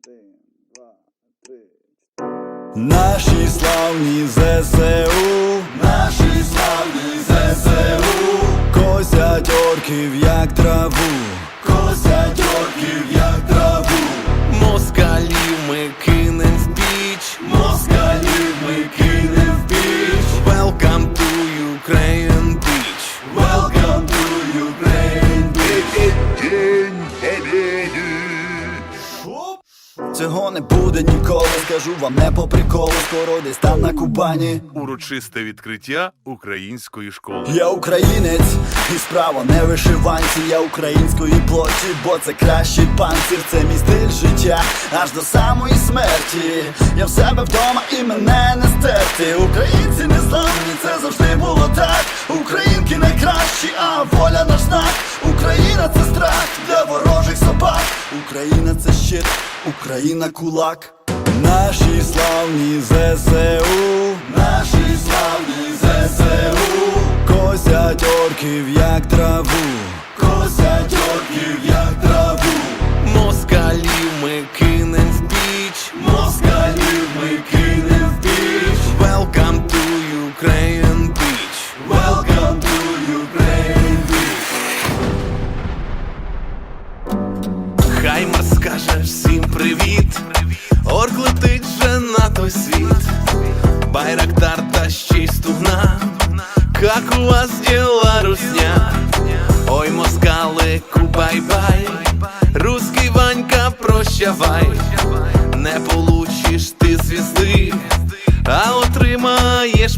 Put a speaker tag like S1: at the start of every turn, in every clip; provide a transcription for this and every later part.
S1: 1, 2, 3. Наші славні ЗСУ, наші славні ЗСУ, косять орків як траву, косять орків як траву.
S2: Москалів ми кинем в піч,
S1: Москалів ми кинем в піч.
S2: Welcome to Ukraine Beach.
S1: Welcome to Ukraine Beach. Цього не буде ніколи, скажу вам не по приколу. Скоро десь там на Кубані
S3: Урочисте відкриття української школи.
S1: Я українець, і справа не вишиванці. Я української плоті, бо це кращий панцир. Це мій стиль життя, аж до самої смерті. Я в себе вдома і мене не стерти. Українці незламні, це завжди було так. Українки найкращі, а воля наш знак. Україна це страх для ворожих собак. Україна це щит, Україна кулак. Наші славні ЗСУ, наші славні ЗСУ, косять орків як траву, косять орків як траву.
S2: Москалів ми кинем в піч,
S1: Москалів ми кинем в піч.
S2: Welcome to Ukraine Beach.
S1: Welcome to Ukraine Beach.
S2: Хаймар скаже всім привіт, орк летить вже на той світ. Байрактар та ще й стугна, как у вас діла, русня? Ой, москалику, бай-бай, русский Ванька, прощавай. Не получиш ти звізди, а отримаєш.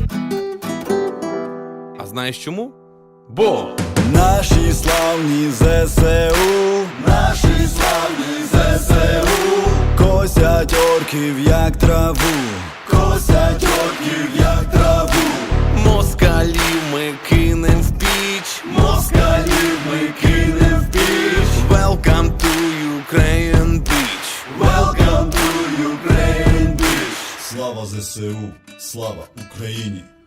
S2: А знаєш чому? Бо
S1: Наші славні ЗСУ, наші славні ЗСУ, косять орків як траву, косять орків як траву.
S2: москалів ми кинем в піч,
S1: Москалів ми кинем в піч.
S2: Welcome to Ukraine Beach.
S1: Welcome to Ukraine Beach. Слава ЗСУ, слава Україні.